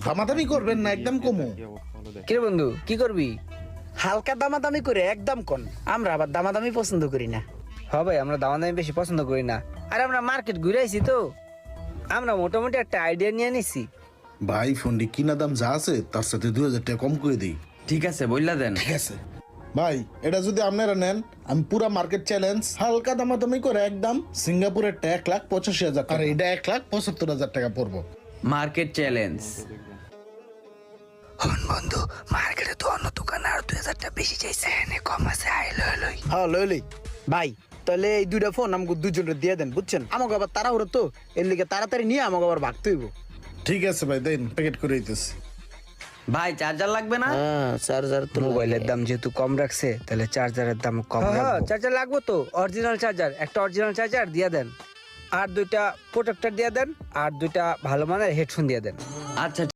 দামাদামি করবেন না, একদম কমু। কিরে বন্ধু কি করবি? হালকা দামাদামি করে একদম কোন, আমরা আবার দামাদামি পছন্দ করি না। ভাই আমরা দামাদামি বেশি পছন্দ করি না। আর আমরা মার্কেট ঘুরে আইছি তো, আমরা মোটামুটি একটা আইডিয়া নিয়ে নিছি। ভাই ফোনটি কিনা দাম যা আছে তার সাথে 2000 টাকা কম করে দিই। ঠিক আছে বললা দেন। ঠিক আছে ভাই, এটা যদি আপনারা নেন আমি পুরা মার্কেট চ্যালেঞ্জ হালকা দামাদামি করে একদম সিঙ্গাপুরের 1,85,000 আর এটা 1,75,000 টাকা পড়বো। Market challenge. বন্ধু মার্কেটে তো অন্য দোকানে আর 2000 টাকা বেশি চাইছে, এনে কম আছে, আই লই। হ্যাঁ লই ভাই, তাহলে এই দুইটা ফোন আমাকে দুজনের দিয়ে দেন, বুঝছেন? আমাকে আবার তাড়াহুড়ো তো, এর লিগে তাড়াতাড়ি নিয়ে আমাকে আবার ভাগতে হইব। ঠিক আছে ভাই, দেন প্যাকেট করে দিতেছি। ভাই চার্জার লাগবে না? হ্যাঁ চার্জার তো মোবাইলের দাম যেহেতু কম রাখছে তাহলে চার্জারের দাম কম রাখবো। চার্জার লাগবে তো, অরিজিনাল চার্জার, একটা অরিজিনাল চার্জার দিয়ে দেন, আর দুইটা প্রোটেক্টর দিয়ে দেন, আর দুইটা ভালো মানের হেডফোন দিয়ে দেন। আচ্ছা